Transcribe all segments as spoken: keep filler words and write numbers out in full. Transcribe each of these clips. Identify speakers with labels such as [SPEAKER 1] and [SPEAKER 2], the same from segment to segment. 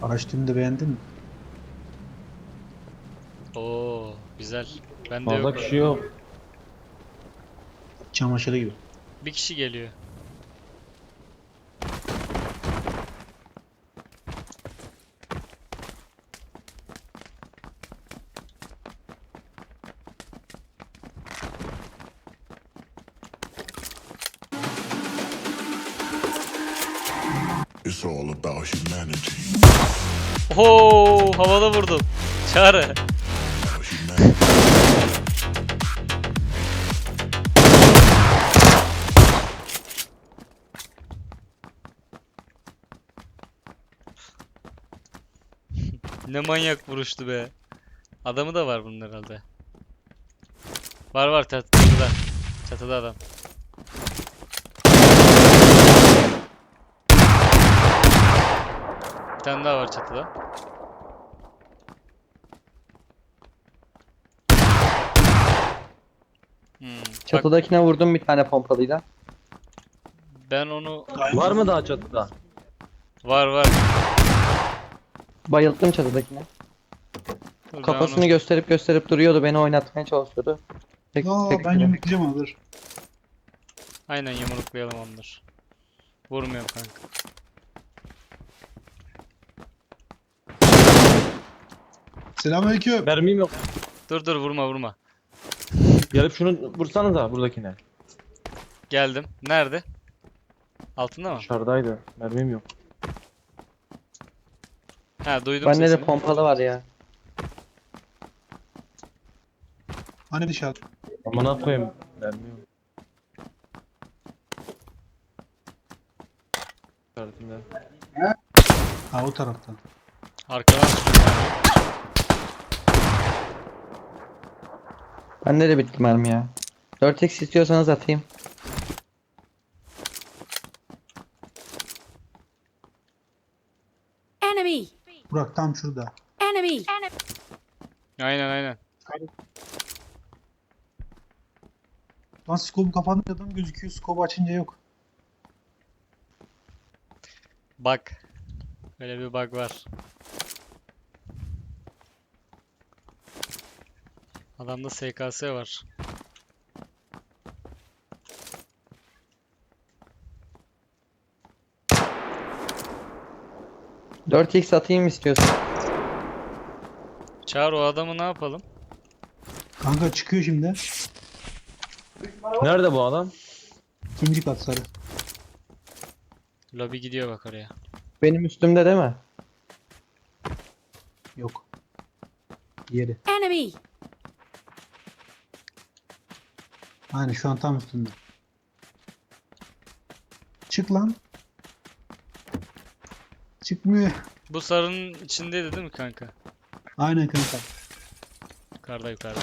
[SPEAKER 1] Araç türünü de beğendin mi?
[SPEAKER 2] Oo, güzel. Bende
[SPEAKER 3] Fazla
[SPEAKER 2] yok.
[SPEAKER 3] kişi yok.
[SPEAKER 1] Çamaşırı gibi.
[SPEAKER 2] Bir kişi geliyor.
[SPEAKER 4] It's all about humanity.
[SPEAKER 2] Oo, havada vurdum. Çağrı.
[SPEAKER 4] About humanity.
[SPEAKER 2] Ne manyak vuruştu be. Adamı da var bunun herhalde. Var var çat- çatıda. Çatıda adam. Bir tane daha var çatıda. Hmm, bak
[SPEAKER 5] Çatıdakine vurdum bir tane pompalıyla.
[SPEAKER 2] ben onu...
[SPEAKER 3] Var mı daha çatıda?
[SPEAKER 2] Var var.
[SPEAKER 5] Bayılttım çatıdakine.
[SPEAKER 2] Dur, ben
[SPEAKER 5] Kafasını
[SPEAKER 2] onu...
[SPEAKER 5] gösterip gösterip duruyordu. Beni oynatmaya çalışıyordu. Tek,
[SPEAKER 1] Aa,
[SPEAKER 5] tek
[SPEAKER 1] ben
[SPEAKER 5] bile.
[SPEAKER 1] yumruklayacağım onu, dur.
[SPEAKER 2] Aynen yumruklayalım onları. Vurmuyorum kanka.
[SPEAKER 1] Selamünaleyküm.
[SPEAKER 3] Mermim yok.
[SPEAKER 2] Dur dur vurma vurma.
[SPEAKER 3] Gelip şunu vursanıza buradakine.
[SPEAKER 2] Geldim. Nerede? Altında mı?
[SPEAKER 3] Dışarıdaydı. Mermim yok.
[SPEAKER 2] Ha duydum
[SPEAKER 5] Bende de
[SPEAKER 2] sesini.
[SPEAKER 5] pompalı var ya.
[SPEAKER 1] Hani dışarı?
[SPEAKER 3] Amına koyayım. Mermim yok. Dışarıdakinde.
[SPEAKER 1] Ha, o taraftan.
[SPEAKER 2] Arkadan
[SPEAKER 5] Bende de bitti mermi ya. dört x istiyorsanız atayım.
[SPEAKER 6] Enemy!
[SPEAKER 1] Burak tam şurada.
[SPEAKER 6] Enemy!
[SPEAKER 2] aynen aynen.
[SPEAKER 1] Lan scope'u kapatınca adam gözüküyor. Scope'u açınca yok.
[SPEAKER 2] Bak. Böyle bir bug var. Adamda S K S var.
[SPEAKER 5] dört x atayım istiyorsan.
[SPEAKER 2] Çağır o adamı ne yapalım?
[SPEAKER 1] Kanka çıkıyor şimdi.
[SPEAKER 3] Nerede bu adam?
[SPEAKER 1] İkinci kat sarı.
[SPEAKER 2] Lobi gidiyor bak oraya.
[SPEAKER 5] Benim üstümde değil mi?
[SPEAKER 1] Yok. Yeri.
[SPEAKER 6] Enemy!
[SPEAKER 1] Aynen şu an tam üstünde. Çık lan. Çıkmıyor.
[SPEAKER 2] Bu sarının içindeydi değil mi kanka?
[SPEAKER 1] Aynen kanka.
[SPEAKER 2] Yukarıda yukarıda.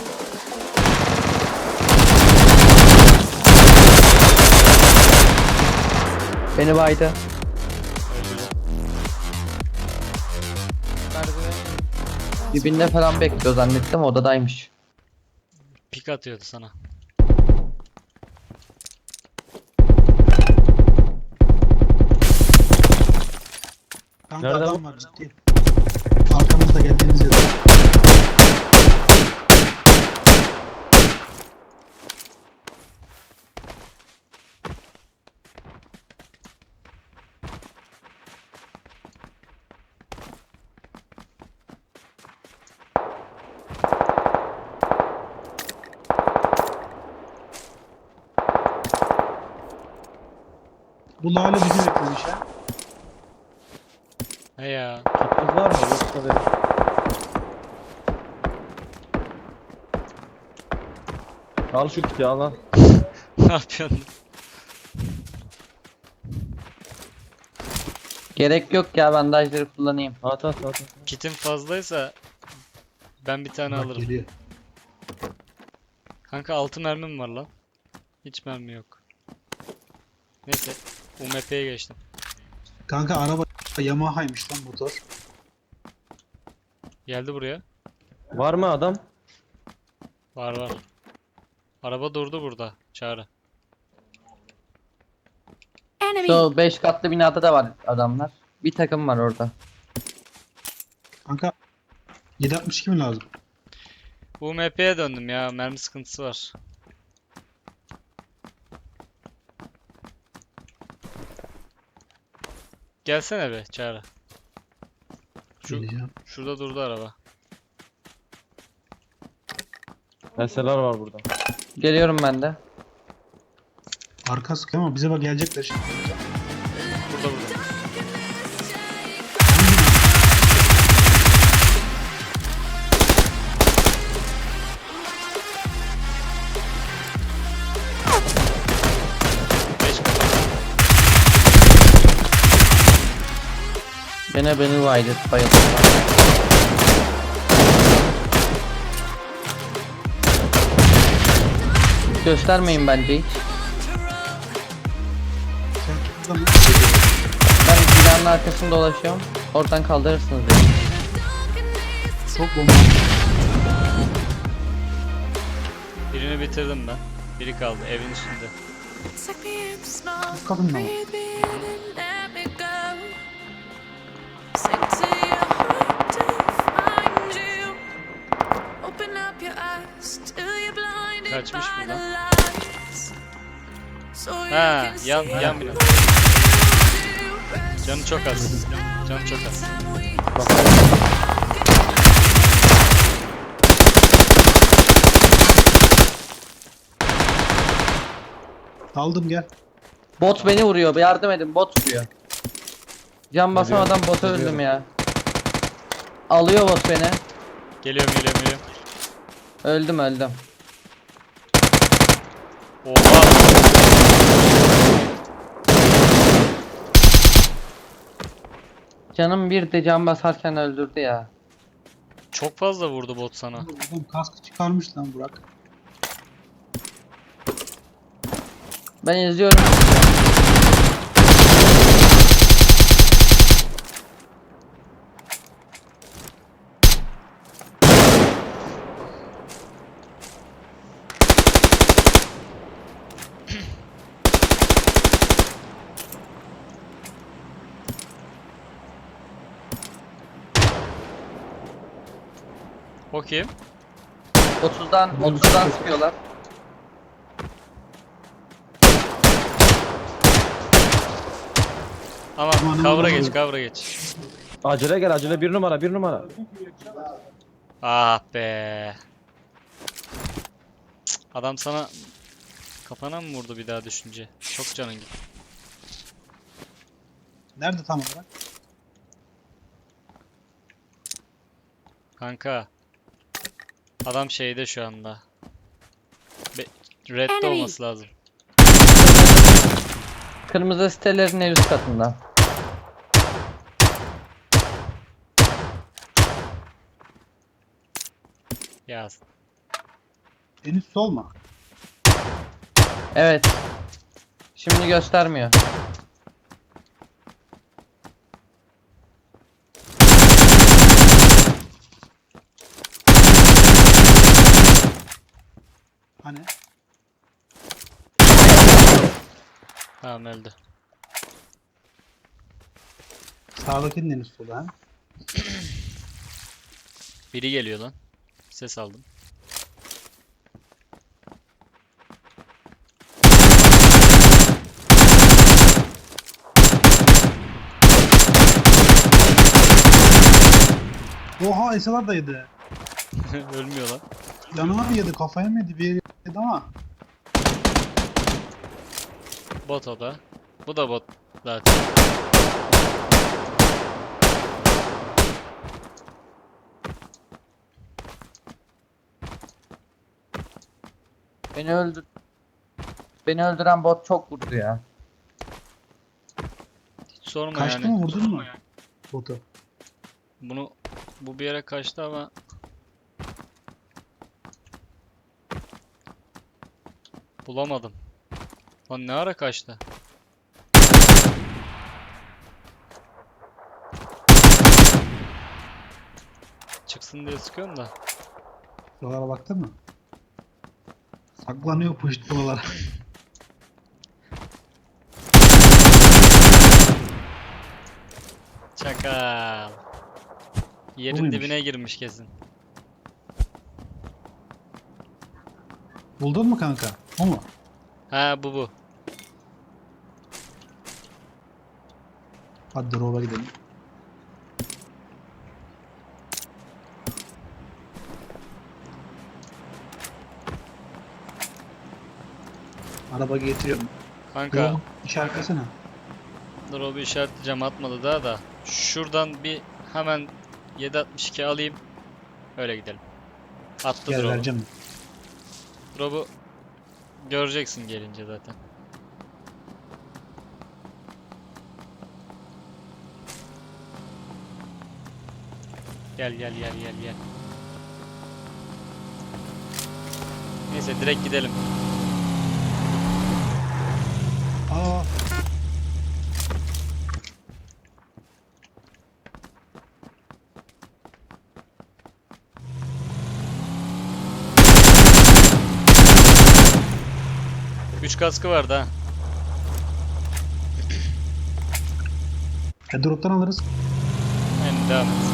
[SPEAKER 5] Beni baydı.
[SPEAKER 2] Öldü.
[SPEAKER 5] Dibinde falan bekliyor zannettim, odadaymış.
[SPEAKER 2] Pik atıyordu sana.
[SPEAKER 1] Kanka
[SPEAKER 3] Nerede
[SPEAKER 1] adam
[SPEAKER 3] bu?
[SPEAKER 1] var ciddi. Arkamızda geldiğiniz yerde. Bu lale bizi beklemiş ha.
[SPEAKER 2] He ya.
[SPEAKER 3] Kitiniz var mı? Yoksa verin. Al şu kiti al lan.
[SPEAKER 2] Ne yapıyorsun?
[SPEAKER 5] Gerek yok ya, bandajları kullanayım.
[SPEAKER 3] At at at. at.
[SPEAKER 2] Kitin fazlaysa ben bir tane
[SPEAKER 1] Bak
[SPEAKER 2] alırım.
[SPEAKER 1] geliyor.
[SPEAKER 2] Kanka altı mermim var lan. Hiç mermi yok. Neyse. U M P'ye geçtim.
[SPEAKER 1] Kanka araba Yamaha'ymış lan motor.
[SPEAKER 2] Geldi buraya.
[SPEAKER 3] Var mı adam?
[SPEAKER 2] Var var. Araba durdu burada. Çağrı.
[SPEAKER 6] Enemy!
[SPEAKER 5] Şu beş katlı binada da var adamlar. Bir takım var orada.
[SPEAKER 1] Kanka yedi altmış iki mi lazım?
[SPEAKER 2] Bu M P'ye döndüm ya. Mermi sıkıntısı var. Gelsene be Çağrı. Şu,
[SPEAKER 1] Geleceğim.
[SPEAKER 2] şurada durdu araba.
[SPEAKER 3] S L R var burada.
[SPEAKER 5] Geliyorum ben de.
[SPEAKER 1] Arka sıkıyor ama bize bak gelecekler şimdi.
[SPEAKER 2] Burada burada. Beş kafa.
[SPEAKER 5] Gene beni baydı. Bayıldı. Göstermeyin bence hiç.
[SPEAKER 1] Sen buradan
[SPEAKER 5] Ben binanın arkasında dolaşıyorum. Oradan kaldırırsınız beni.
[SPEAKER 1] çok bomba.
[SPEAKER 2] Birini bitirdim ben. Biri kaldı evin üstünde.
[SPEAKER 1] Bu kadın mı?
[SPEAKER 2] Kaçmış buradan. Ha, yan yan bina. Canı çok az. Canı çok az.
[SPEAKER 1] Aldım gel.
[SPEAKER 5] Bot beni vuruyor. Bir yardım edin. Bot vuruyor. Can basamadan bota öldüm ya. Alıyor bot beni.
[SPEAKER 2] Geliyorum geliyorum geliyorum.
[SPEAKER 5] Öldüm öldüm.
[SPEAKER 2] Oha.
[SPEAKER 5] Canım bir de can basarken öldürdü ya.
[SPEAKER 2] Çok fazla vurdu bot sana.
[SPEAKER 1] Buradan kaskı çıkarmış lan Burak.
[SPEAKER 5] Ben izliyorum.
[SPEAKER 2] O kim?
[SPEAKER 5] otuzdan otuzdan sıkıyorlar.
[SPEAKER 2] Aman
[SPEAKER 1] Aman,
[SPEAKER 2] kavra
[SPEAKER 1] aman.
[SPEAKER 2] geç kavra geç.
[SPEAKER 3] Acele gel acele bir numara bir numara.
[SPEAKER 2] Ah be. Cık, adam sana kafana mı vurdu bir daha düşünce? Çok canın gitti.
[SPEAKER 1] Nerede tam olarak?
[SPEAKER 2] Kanka. Adam şeyde şu anda. Be Red'de
[SPEAKER 6] Enemy.
[SPEAKER 2] olması lazım.
[SPEAKER 5] Kırmızı sitelerin en üst katında.
[SPEAKER 2] Ya
[SPEAKER 1] En üst sol mu?
[SPEAKER 5] Evet. Şimdi göstermiyor.
[SPEAKER 1] Hani?
[SPEAKER 2] tamam öldü.
[SPEAKER 1] Sağdakinin en üst solu ha?
[SPEAKER 2] Biri geliyor lan. Ses aldım.
[SPEAKER 1] Oha Esalar da yedi.
[SPEAKER 2] Ölmüyor lan.
[SPEAKER 1] Yanına mı yedi, kafaya mı yedi, bir yere yedi ama.
[SPEAKER 2] Bot o da. Bu da bot zaten.
[SPEAKER 5] Beni öldür. Beni öldüren bot çok vurdu ya.
[SPEAKER 2] Hiç sorma
[SPEAKER 1] Kaçtı
[SPEAKER 2] yani.
[SPEAKER 1] mı, vurdun mu? Botu.
[SPEAKER 2] Bunu bu bir yere kaçtı ama bulamadım. Lan ne ara kaçtı? Çıksın diye sıkıyorum da.
[SPEAKER 1] Buralara baktın mı? Saklanıyor puşt buralara.
[SPEAKER 2] Çakal. Yerin
[SPEAKER 1] muymuş?
[SPEAKER 2] dibine girmiş kesin.
[SPEAKER 1] Buldun mu kanka? O mu?
[SPEAKER 2] Ha bu bu.
[SPEAKER 1] Hadi drop'a gidelim. Araba getiriyorum.
[SPEAKER 2] Kanka
[SPEAKER 1] Drop'u işaretlesene.
[SPEAKER 2] drop'u işaretleyeceğim, atmadı daha da. Şuradan bir hemen yedi altmış iki alayım. Öyle gidelim. Attı
[SPEAKER 1] Gel
[SPEAKER 2] drop'u.
[SPEAKER 1] vereceğim.
[SPEAKER 2] Drop'u göreceksin gelince zaten. Gel gel gel gel gel. Neyse direkt gidelim.
[SPEAKER 1] Aa.
[SPEAKER 2] Üç kaskı vardı ha.
[SPEAKER 1] E, drop'tan alırız.
[SPEAKER 2] Yani devam et.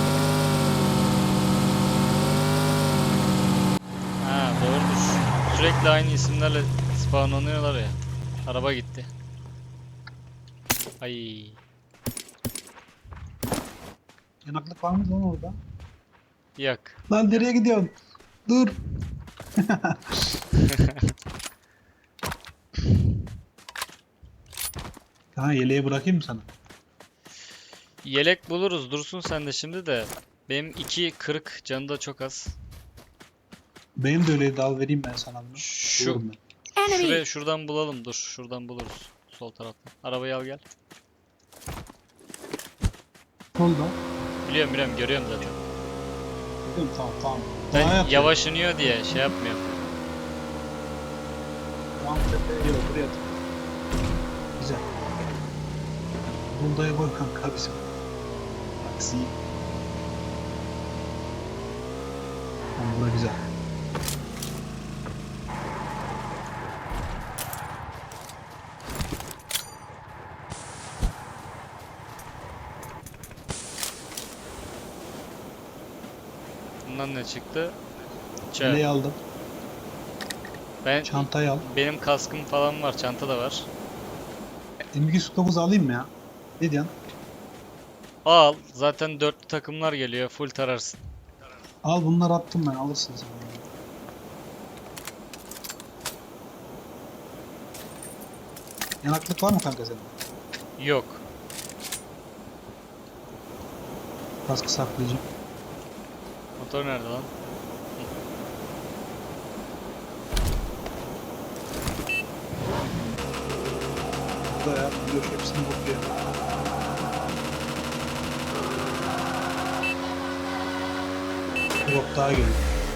[SPEAKER 2] Ha doğrudur. Sürekli aynı isimlerle spawnlanıyorlar ya. Araba gitti. Ay.
[SPEAKER 1] Yanaklık var mı lan orada?
[SPEAKER 2] Yok.
[SPEAKER 1] Lan nereye gidiyorsun? Dur. Ha yeleği bırakayım mı sana?
[SPEAKER 2] Yelek buluruz. Dursun sen de şimdi de. Benim iki kırık, canı da çok az.
[SPEAKER 1] Benim de öyleydi, al vereyim ben sana bunu.
[SPEAKER 2] Şu
[SPEAKER 1] Bulurum ben.
[SPEAKER 2] şuraya şuradan bulalım. Dur, şuradan buluruz. Sol taraftan. Arabayı al gel.
[SPEAKER 1] Solda.
[SPEAKER 2] Biliyorum biliyorum, görüyorum zaten.
[SPEAKER 1] Dedim, tamam tamam.
[SPEAKER 2] Ben
[SPEAKER 1] Daha yapıyorum.
[SPEAKER 2] yavaş iniyor diye şey yapmıyorum.
[SPEAKER 1] Tamam tepeye yok, buraya at. Güzel. Buldaya koy kanka bizim. Aksi. Tamam, bura güzel.
[SPEAKER 2] Bundan ne çıktı?
[SPEAKER 1] Yeleği
[SPEAKER 2] Çay.
[SPEAKER 1] aldım.
[SPEAKER 2] Ben
[SPEAKER 1] Çantayı al.
[SPEAKER 2] benim kaskım falan var, çanta da var.
[SPEAKER 1] M iki yüz dokuz alayım mı ya? Ne diyorsun?
[SPEAKER 2] Al. Zaten dörtlü takımlar geliyor. Full tararsın.
[SPEAKER 1] Al, bunları attım ben, alırsın sen. Yanaklık var mı kanka senin?
[SPEAKER 2] Yok.
[SPEAKER 1] Kaskı saklayacağım.
[SPEAKER 2] Motor nerede lan?
[SPEAKER 1] Burada ya, biliyor hepsini bakıyor. Drop daha geliyor.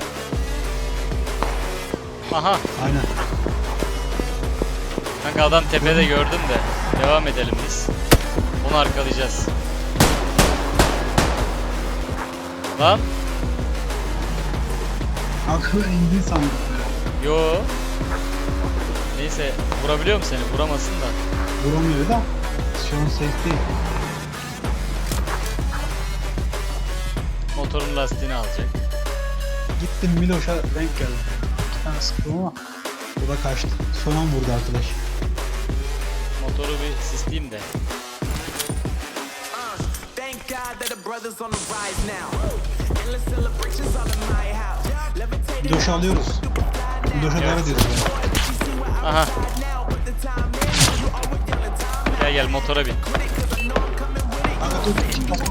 [SPEAKER 2] Aha.
[SPEAKER 1] Aynen.
[SPEAKER 2] Kanka adam tepede gördüm de. Devam edelim biz. Onu arkalayacağız. Lan.
[SPEAKER 1] Kanka ben indin sandım.
[SPEAKER 2] Yo. Neyse. Vurabiliyor mu seni? Vuramasın da.
[SPEAKER 1] Vuramıyor da. Şu an safe değil.
[SPEAKER 2] Motorun lastiğini alacak.
[SPEAKER 1] Gittim Miloş'a denk geldim. İki tane sıktım ama o da kaçtı. Son an vurdu arkadaş.
[SPEAKER 2] Motoru bir sisleyeyim de.
[SPEAKER 6] Thank God that the brothers on the rise now. Endless celebrations all in my house. Levitating
[SPEAKER 1] Miloş'u alıyoruz. Miloş'a
[SPEAKER 2] Evet.
[SPEAKER 1] doğru diyoruz.
[SPEAKER 2] Aha.
[SPEAKER 6] now, but the time is you always yelling time.
[SPEAKER 2] Gel gel motora bin.
[SPEAKER 1] Kanka dur. Kim bakalım.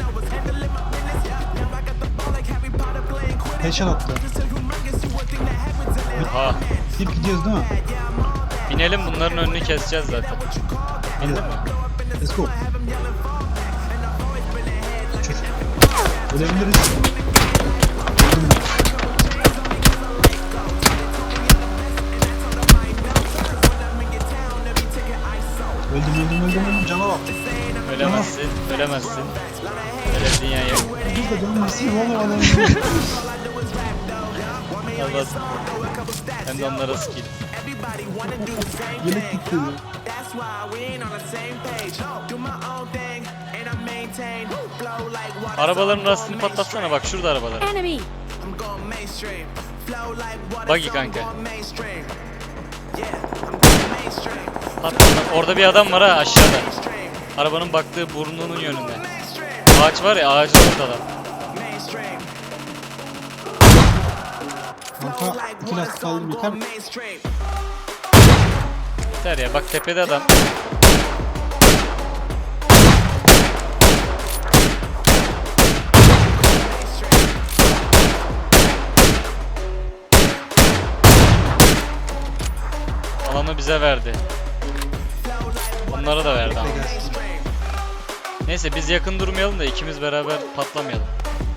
[SPEAKER 1] Headshot attı.
[SPEAKER 2] Oha.
[SPEAKER 1] Hep gidiyoruz değil mi?
[SPEAKER 2] Binelim, bunların önünü keseceğiz zaten.
[SPEAKER 1] Hadi. Let's go. Uçur. Ölebiliriz. Öldüm ben. Öldüm öldüm öldüm öldüm. Cana bak.
[SPEAKER 2] Ölemezsin, ölemezsin. Öyle dünya yok.
[SPEAKER 1] Biz de canım nasıl oğlum adam.
[SPEAKER 2] Allah. Hem de onlara skill.
[SPEAKER 1] Yelek gitti.
[SPEAKER 6] That's why we ain't on the same page. Do my own thing, and I maintain. maintain. Flow like water, so
[SPEAKER 2] Arabaların
[SPEAKER 6] I'm
[SPEAKER 2] rastını
[SPEAKER 6] going
[SPEAKER 2] patlatsana, bak şurada arabalar.
[SPEAKER 7] Enemy!
[SPEAKER 6] I'm going mainstream. Flow like water,
[SPEAKER 2] Buggy
[SPEAKER 6] so I'm
[SPEAKER 2] kanka.
[SPEAKER 6] going mainstream. Yeah, I'm going mainstream.
[SPEAKER 2] Patlat. Orada bir adam var ha, aşağıda.
[SPEAKER 6] Mainstream.
[SPEAKER 2] Arabanın baktığı burnunun yönünde.
[SPEAKER 6] Mainstream.
[SPEAKER 2] Ağaç var ya, ağacın orada adam.
[SPEAKER 6] Mainstream.
[SPEAKER 1] Kanka iki lastik aldım yeter mi?
[SPEAKER 6] Mainstream.
[SPEAKER 2] Yeter ya, bak tepede adam. Alanı bize verdi. Onlara da verdi ama. Neyse biz yakın durmayalım da ikimiz beraber patlamayalım.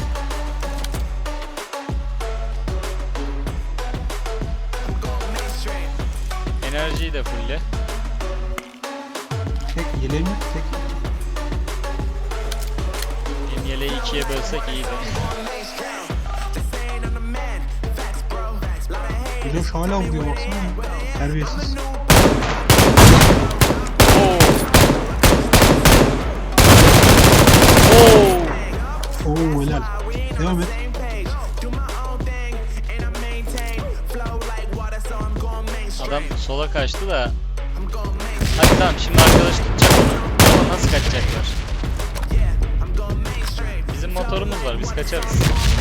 [SPEAKER 2] Enerjiyi de fulle.
[SPEAKER 1] Tek yeleğim yok tek.
[SPEAKER 2] Benim yeleği ikiye bölsek iyiydi.
[SPEAKER 1] Miloş hala vuruyor baksana. Terbiyesiz.
[SPEAKER 2] Oo. Oo.
[SPEAKER 1] Oo helal. Devam et.
[SPEAKER 2] Adam sola kaçtı da. Hadi tamam, şimdi arkadaş tutacak onu. Ama nasıl kaçacaklar? Bizim motorumuz var, biz kaçarız.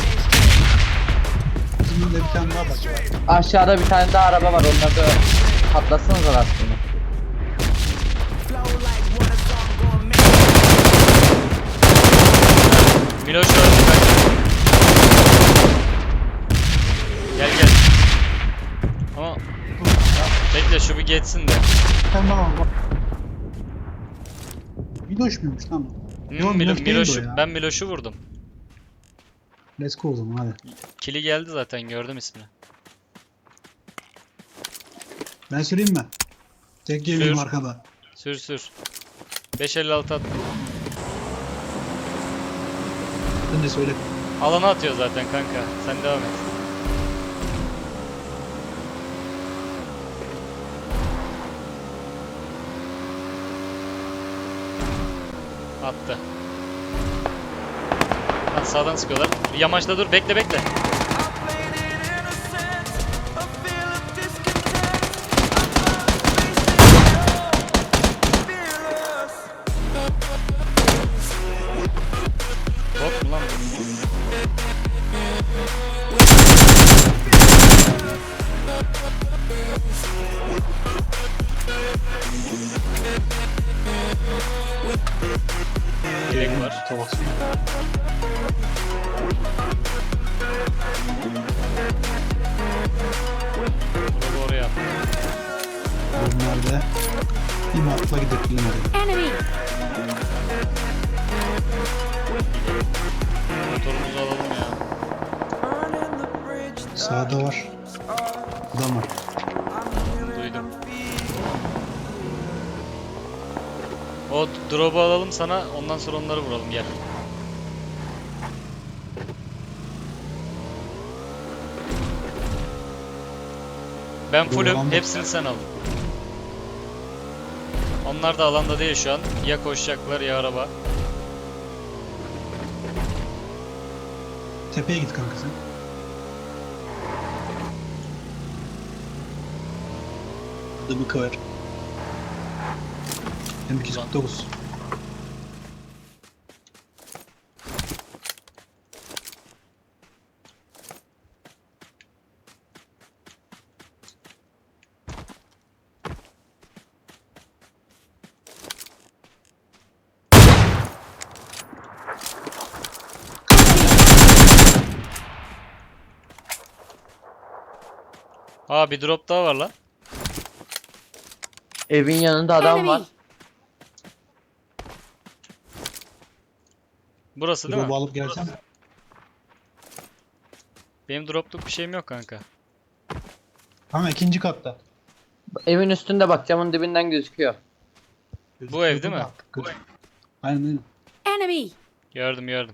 [SPEAKER 1] Bizim de bir tane daha bak.
[SPEAKER 5] Aşağıda bir tane daha araba var. Onları da patlatsanıza aslında.
[SPEAKER 2] Miloş öldü kaç. Gel gel. Ama bekle şu bir geçsin de.
[SPEAKER 1] Tamam bak. Miloş muymuş lan?
[SPEAKER 2] Hmm,
[SPEAKER 1] Yok,
[SPEAKER 2] Milo-
[SPEAKER 1] Miloş değildi
[SPEAKER 2] Miloş'u,
[SPEAKER 1] o ya.
[SPEAKER 2] ben Miloş'u vurdum.
[SPEAKER 1] Let's go o zaman hadi.
[SPEAKER 2] Kili geldi zaten, gördüm ismini.
[SPEAKER 1] Ben süreyim mi? Tek geliyorum
[SPEAKER 2] Sür.
[SPEAKER 1] arkada.
[SPEAKER 2] Sür sür. beş elli altı at.
[SPEAKER 1] Sen de söyle.
[SPEAKER 2] Alana atıyor zaten kanka. Sen devam et. Attı. Hadi sağdan sıkıyorlar. Yamaçta dur, bekle bekle. Bot mu lan bu? Direkt var.
[SPEAKER 1] Tamam.
[SPEAKER 2] Bunu oraya at.
[SPEAKER 1] Bunlar bir matla gidip bilmedi.
[SPEAKER 7] Enemy!
[SPEAKER 2] Motorumuzu alalım ya.
[SPEAKER 1] Sağda var. Adam var.
[SPEAKER 2] Duydum. O drop'u alalım sana, ondan sonra onları vuralım, gel. Ben fullüm,
[SPEAKER 1] alanda.
[SPEAKER 2] hepsini sen al. Onlar da alanda değil şu an. Ya koşacaklar ya araba.
[SPEAKER 1] Tepeye git kanka sen. Adamı kıvar. M iki yüz kırk dokuz.
[SPEAKER 2] Aa, bir drop daha var lan.
[SPEAKER 5] Evin yanında adam
[SPEAKER 7] Enemy!
[SPEAKER 5] var.
[SPEAKER 2] Burası değil
[SPEAKER 1] Drop'u
[SPEAKER 2] mi?
[SPEAKER 1] alıp gelsen.
[SPEAKER 2] Benim dropluk bir şeyim yok kanka.
[SPEAKER 1] Ama ikinci katta.
[SPEAKER 5] Evin üstünde bak, camın dibinden gözüküyor.
[SPEAKER 2] Bu ev değil mi?
[SPEAKER 1] Gözüküyor. Aynen aynen.
[SPEAKER 7] Enemy!
[SPEAKER 2] Gördüm gördüm.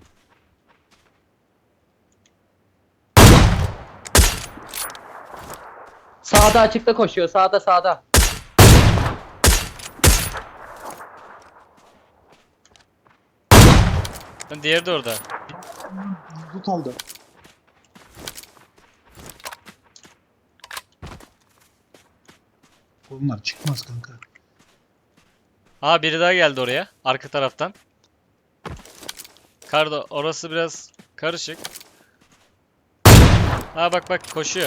[SPEAKER 5] Sağda açıkta koşuyor. Sağda sağda.
[SPEAKER 2] Lan diğeri de orada.
[SPEAKER 1] Tut aldı. Bunlar çıkmaz kanka.
[SPEAKER 2] Aa biri daha geldi oraya. Arka taraftan. Kardo orası biraz karışık. Aa bak bak koşuyor.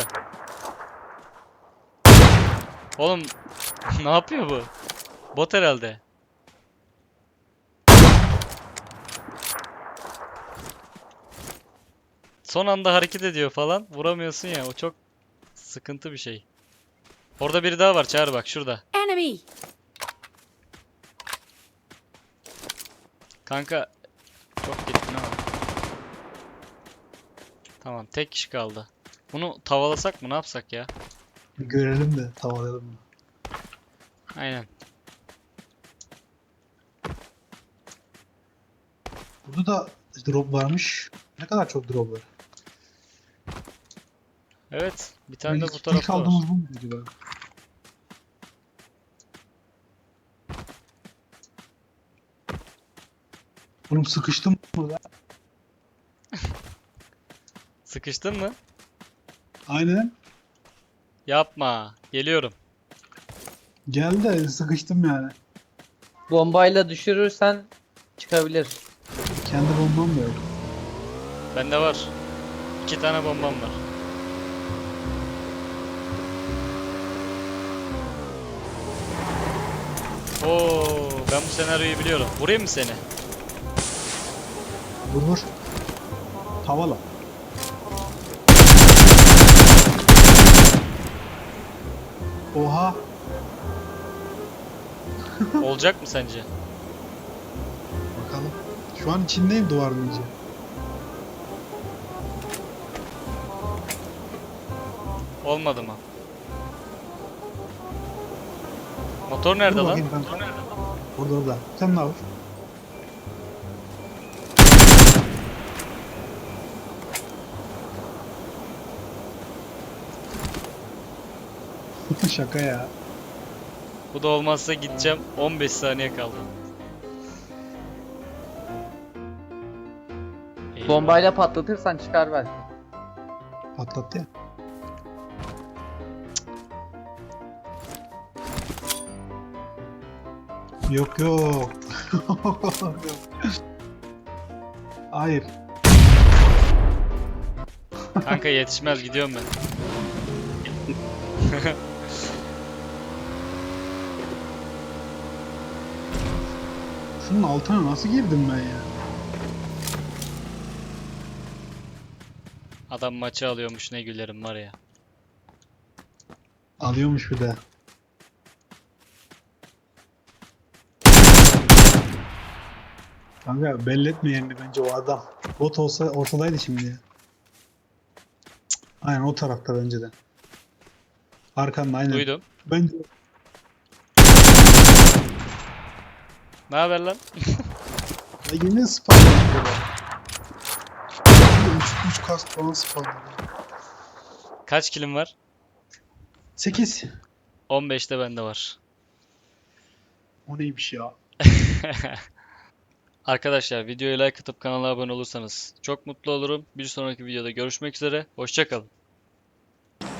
[SPEAKER 2] Oğlum ne yapıyor bu? Bot herhalde. Son anda hareket ediyor falan. Vuramıyorsun ya. O çok sıkıntı bir şey. Orada biri daha var. Çağır bak şurada.
[SPEAKER 7] Enemy!
[SPEAKER 2] Kanka çok gittin ama. Tamam tek kişi kaldı. Bunu tavalasak mı ne yapsak ya?
[SPEAKER 1] Bir görelim de tavalayalım mı?
[SPEAKER 2] Aynen.
[SPEAKER 1] Burada da drop varmış. Ne kadar çok drop var.
[SPEAKER 2] Evet. Bir tane de
[SPEAKER 1] İlk-
[SPEAKER 2] bu
[SPEAKER 1] İlk
[SPEAKER 2] tarafta var.
[SPEAKER 1] aldığımız bu mu acaba? Oğlum sıkıştım burada.
[SPEAKER 2] Sıkıştın mı?
[SPEAKER 1] Aynen.
[SPEAKER 2] Yapma. Geliyorum.
[SPEAKER 1] Geldi de sıkıştım yani.
[SPEAKER 5] Bombayla düşürürsen çıkabilir.
[SPEAKER 1] Kendi bombam da yok.
[SPEAKER 2] Bende var. İki tane bombam var. Oo, ben bu senaryoyu biliyorum. Vurayım mı seni?
[SPEAKER 1] Vur vur. Tavala. Oha.
[SPEAKER 2] Olacak mı sence?
[SPEAKER 1] Bakalım. Şu an içindeyim duvarın iyice.
[SPEAKER 2] Olmadı mı? Motor nerede
[SPEAKER 1] Dur
[SPEAKER 2] lan?
[SPEAKER 1] bakayım kanka. Orada orada. Sen ne yapıyorsun? Şaka ya.
[SPEAKER 2] Bu da olmazsa gideceğim. on beş saniye kaldı. Eyvah.
[SPEAKER 5] Bombayla patlatırsan çıkar belki.
[SPEAKER 1] Patlattı ya. Yok yok. Hayır.
[SPEAKER 2] Kanka yetişmez gidiyorum ben.
[SPEAKER 1] Şunun altına nasıl girdim ben ya?
[SPEAKER 2] Adam maçı alıyormuş ne gülerim var ya.
[SPEAKER 1] Alıyormuş bir de. Kanka belli etme yerini bence o adam. Bot olsa ortadaydı şimdi ya. Cık, aynen o tarafta bence de. Arkanda aynen.
[SPEAKER 2] Duydum.
[SPEAKER 1] Bence
[SPEAKER 2] Ne haber lan?
[SPEAKER 1] ya yine spawn yapıyorlar. üç kast falan spawn yapıyor.
[SPEAKER 2] Kaç kilim var?
[SPEAKER 1] sekiz.
[SPEAKER 2] on beşte bende var.
[SPEAKER 1] O neymiş ya?
[SPEAKER 2] Arkadaşlar videoyu like atıp kanala abone olursanız çok mutlu olurum. Bir sonraki videoda görüşmek üzere. Hoşça kalın.